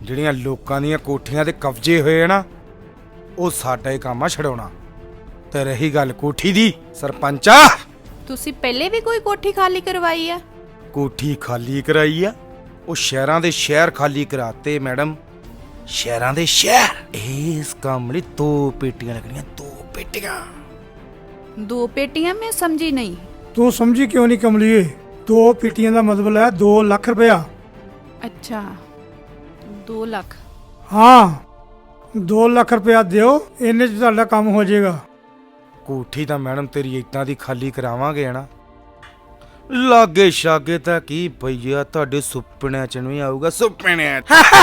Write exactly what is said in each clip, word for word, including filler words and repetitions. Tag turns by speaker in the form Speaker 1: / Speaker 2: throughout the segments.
Speaker 1: ਜਿਹੜੀਆਂ ਲੋਕਾਂ ਦੀਆਂ ਕੋਠੀਆਂ ਤੇ ਕਬਜ਼ੇ ਹੋਏ ਨਾ ਉਹ ਸਾਡਾ ਹੀ ਕੰਮ ਆ ਛਡਾਉਣਾ। ਤੇ ਰਹੀ ਗੱਲ ਕੋਠੀ ਦੀ, ਸਰਪੰਚਾ
Speaker 2: ਤੁਸੀਂ ਪਹਿਲੇ ਵੀ ਕੋਈ ਕੋਠੀ ਖਾਲੀ ਕਰਵਾਈ ਆ?
Speaker 1: ਕੋਠੀ ਖਾਲੀ ਕਰਾਈ ਆ? ਉਹ ਸ਼ਹਿਰਾਂ ਦੇ ਸ਼ਹਿਰ ਖਾਲੀ ਕਰਾਤੇ ਮੈਡਮ, ਸ਼ਹਿਰਾਂ ਦੇ ਸ਼ਹਿਰ। ਇਸ ਕੰਮ ਲਈ ਦੋ ਪੇਟੀਆਂ ਲੱਗਣੀਆਂ, ਦੋ ਪੇਟੀਆਂ।
Speaker 2: ਦੋ ਪੇਟੀਆਂ? मैं समझी नहीं।
Speaker 3: तू समझी क्यों नहीं कमलिए? दो पेटियां का मतलब है दो लाख रुपया।
Speaker 2: अच्छा, दो लाख?
Speaker 3: हाँ, दो लाख रुपया दियो, इन्ने च तुहाडा काम हो जाएगा।
Speaker 1: कोठी ਤਾਂ मैडम तेरी इतना दी खाली करावांगे ना, लागे शागे ਤਾਂ ਕੀ ਭਈਆ ਤੁਹਾਡੇ ਸੁਪਨਿਆਂ ਚ ਨਹੀਂ ਆਊਗਾ, ਸੁਪਨਿਆਂ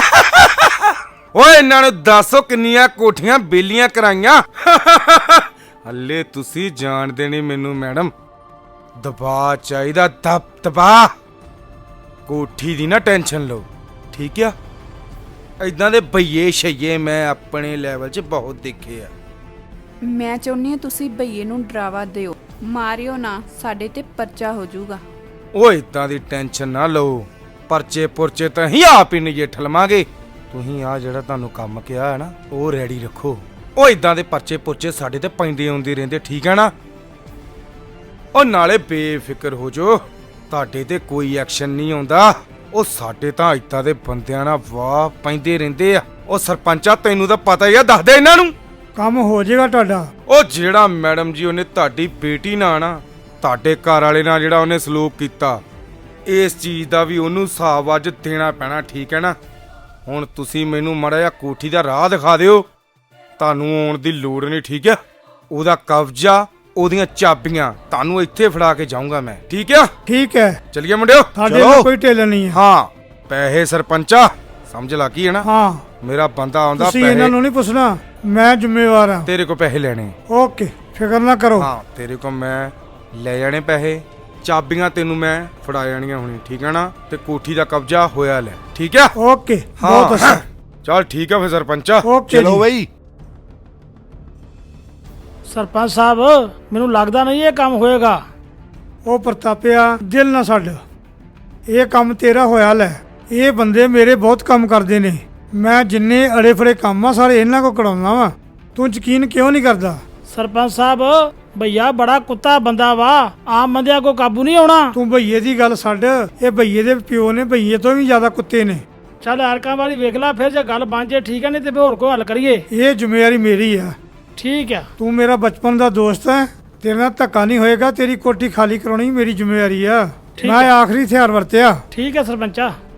Speaker 1: ਓਏ ਇਹਨਾਂ ਨੂੰ ਦੱਸੋ ਕਿੰਨੀਆਂ ਕੋਠੀਆਂ ਬੇਲੀਆਂ ਕਰਾਈਆਂ। ਹੱਲੇ ਤੁਸੀਂ ਜਾਣਦੇ ਨਹੀਂ ਮੈਨੂੰ ਮੈਡਮ, ਦਬਾ ਚਾਹੀਦਾ, ਦਬ ਦਬਾ। ਕੋਠੀ ਦੀ ਨਾ ਟੈਨਸ਼ਨ ਲਓ, ਠੀਕ ਆ? ਇਦਾਂ ਦੇ ਭਈਏ ਛਈਏ ਮੈਂ ਆਪਣੇ ਲੈਵਲ 'ਚ ਬਹੁਤ ਦੇਖੇ ਆ।
Speaker 2: ਮੈਂ ਚਾਹੁੰਦੀ ਹਾਂ ਤੁਸੀਂ ਭਈਏ ਨੂੰ ਡਰਾਵਾ ਦਿਓ, ਮਾਰਿਓ ਨਾ, ਸਾਡੇ ਤੇ ਪਰਚਾ ਹੋ ਜਾਊਗਾ।
Speaker 1: ਓਏ ਇਦਾਂ ਦੀ ਟੈਨਸ਼ਨ ਨਾ ਲਓ, ਪਰਚੇ ਪੁਰਚੇ ਤਾਂ ਹੀ ਆਪ ਹੀ ਨਜਿੱਠ ਲਵਾਂਗੇ। ਤੁਸੀਂ ਆ ਜਿਹੜਾ ਤੁਹਾਨੂੰ ਕੰਮ ਕਿਹਾ ਹੈ ਨਾ ਉਹ ਰੈਡੀ ਰੱਖੋ। ਉਹ ਇਦਾਂ ਦੇ ਪਰਚੇ ਪੁਰਚੇ ਸਾਡੇ ਤੇ ਪੈਂਦੇ ਆਉਂਦੇ ਰਹਿੰਦੇ, ਠੀਕ ਹੈ ਨਾ? ਉਹ ਨਾਲੇ ਬੇਫਿਕਰ ਹੋ ਜੋ, ਤੁਹਾਡੇ ਤੇ ਕੋਈ ਐਕਸ਼ਨ ਨਹੀਂ ਆਉਂਦਾ। ਉਹ ਸਾਡੇ ਤਾਂ ਇਦਾਂ ਦੇ ਬੰਦਿਆਂ ਨਾਲ ਵਾਹ ਪੈਂਦੇ ਰਹਿੰਦੇ ਆ। ਉਹ ਸਰਪੰਚਾ ਤੈਨੂੰ ਤਾਂ ਪਤਾ ਹੀ ਆ, ਦੱਸ ਦੇ ਇਹਨਾਂ ਨੂੰ।
Speaker 3: ਕੰਮ ਹੋ ਜਾਏਗਾ ਤੁਹਾਡਾ।
Speaker 1: ਉਹ ਜਿਹੜਾ ਮੈਡਮ ਜੀ ਉਹਨੇ ਤੁਹਾਡੀ ਬੇਟੀ ਨਾਲ ਨਾ, ਤੁਹਾਡੇ ਘਰ ਵਾਲੇ ਨਾਲ ਜਿਹੜਾ ਉਹਨੇ ਸਲੂਕ ਕੀਤਾ, ਇਸ ਚੀਜ਼ ਦਾ ਵੀ ਉਹਨੂੰ ਹਿਸਾਬ ਅੱਜ ਦੇਣਾ ਪੈਣਾ, ਠੀਕ ਹੈ ਨਾ? ਹੁਣ ਤੁਸੀਂ ਮੈਨੂੰ ਮਾੜਾ ਜਿਹਾ ਕੋਠੀ ਦਾ ਰਾਹ ਦਿਖਾ ਦਿਓ, ਤੁਹਾਨੂੰ ਆਉਣ ਦੀ ਲੋੜ ਨਹੀਂ, ਠੀਕ ਹੈ? ਉਹਦਾ ਕਬਜ਼ਾ, ਉਹਦੀਆਂ ਚਾਬੀਆਂ ਤੁਹਾਨੂੰ ਇੱਥੇ ਫੜਾ ਕੇ ਜਾਊਂਗਾ ਮੈਂ, ਠੀਕ ਹੈ?
Speaker 3: ठीक है,
Speaker 1: ਚਲਿਏ ਮੁੰਡਿਓ,
Speaker 3: ਸਾਡੇ ਨਾਲ ਕੋਈ ਢਿੱਲ ਨਹੀਂ ਹੈ।
Speaker 1: ਹਾਂ ਪੈਸੇ ਸਰਪੰਚਾ ਸਮਝ ਲੱਗੀ ਹੈ ਨਾ?
Speaker 3: ਹਾਂ,
Speaker 1: ਮੇਰਾ ਬੰਦਾ ਆਉਂਦਾ,
Speaker 3: ਤੁਸੀਂ ਇਹਨਾਂ ਨੂੰ
Speaker 1: ਪੈਸੇ
Speaker 3: ਨਹੀਂ ਪੁੱਛਣਾ, ਮੈਂ ਜ਼ਿੰਮੇਵਾਰ ਹਾਂ।
Speaker 1: ਤੇਰੇ ਕੋਲ ਪੈਸੇ ਲੈਣੇ।
Speaker 3: ओके, फिक्र ना करो।
Speaker 1: ਹਾਂ ਤੇਰੇ ਕੋਲ ਮੈਂ ਲੈ ਜਾਣੇ ਪੈਸੇ, ਚਾਬੀਆਂ ਤੈਨੂੰ ਮੈਂ ਫੜਾ ਜਾਣੀਆਂ ਹੁਣੀ, ਠੀਕ ਹੈ ਨਾ? ਤੇ ਕੋਠੀ ਦਾ ਕਬਜ਼ਾ ਹੋਇਆ ਲੈ, ਠੀਕ ਹੈ?
Speaker 3: ओके, बहुत अच्छा।
Speaker 1: ਚਲ ਠੀਕ ਹੈ ਫਿਰ ਸਰਪੰਚਾ,
Speaker 3: ओके
Speaker 1: ਚਲੋ
Speaker 3: जी।
Speaker 1: ਬਈ।
Speaker 4: ਸਰਪੰਚ ਸਾਹਿਬ ਮੈਨੂੰ ਲੱਗਦਾ ਨਹੀਂ ਇਹ ਕੰਮ ਹੋਏਗਾ।
Speaker 3: ਉਹ ਪ੍ਰਤਾਪਿਆ ਦਿਲ ਨਾ ਛੱਡ, ਇਹ ਕੰਮ ਤੇਰਾ ਹੋਇਆ ਲੈ। ਇਹ ਬੰਦੇ ਮੇਰੇ ਬਹੁਤ ਕੰਮ ਕਰਦੇ ਨੇ, ਮੈਂ ਜਿੰਨੇ ਅੜੇ ਫੜੇ ਕੰਮ ਆ ਸਾਰੇ ਇਹਨਾਂ ਕੋ ਕਢਾਉਣਾ ਵਾ। ਤੂੰ ਯਕੀਨ ਕਿਉਂ ਨਹੀਂ ਕਰਦਾ?
Speaker 4: ਸਰਪੰਚ ਸਾਹਿਬ ਭਈਆ ਬੜਾ ਕੁੱਤਾ ਬੰਦਾ ਵਾ, ਆਮ ਬੰਦਿਆਂ ਕੋ ਕਾਬੂ ਨਹੀਂ ਆਉਣਾ।
Speaker 3: ਤੂੰ ਭਈਏ ਦੀ ਗੱਲ ਛੱਡ, ਇਹ ਭਈਏ ਦੇ ਪਿਓ ਨੇ ਭਈਏ ਤੋਂ ਵੀ ਜ਼ਿਆਦਾ ਕੁੱਤੇ ਨੇ।
Speaker 4: ਚੱਲ ਐਰਕਾਂ ਵਾਲੀ ਵੇਖ ਲੈ, ਫਿਰ ਜੇ ਗੱਲ ਬਣ ਜੇ ਠੀਕ ਹੈ, ਨਹੀਂ ਤੇ ਫਿਰ ਹੋਰ ਕੋਈ ਹੱਲ ਕਰੀਏ।
Speaker 3: ਇਹ ਜ਼ਿੰਮੇਵਾਰੀ ਮੇਰੀ ਆ।
Speaker 4: ਠੀਕ ਹੈ।
Speaker 3: ਤੂੰ ਮੇਰਾ ਬਚਪਨ ਦਾ ਦੋਸਤ ਹੈ, ਤੇਰੇ ਨਾਲ ਧੱਕਾ ਨਹੀਂ ਹੋਏਗਾ। ਤੇਰੀ ਕੋਠੀ ਖਾਲੀ ਕਰਾਉਣੀ ਮੇਰੀ ਜ਼ਿੰਮੇਵਾਰੀ ਆ।
Speaker 4: ਠੀਕ
Speaker 3: ਮੈਂ
Speaker 4: ਹੈ।
Speaker 3: ਆਖਰੀ ਹਥਿਆਰ ਵਰਤਿਆ।
Speaker 4: ਠੀਕ ਹੈ ਸਰਪੰਚਾ।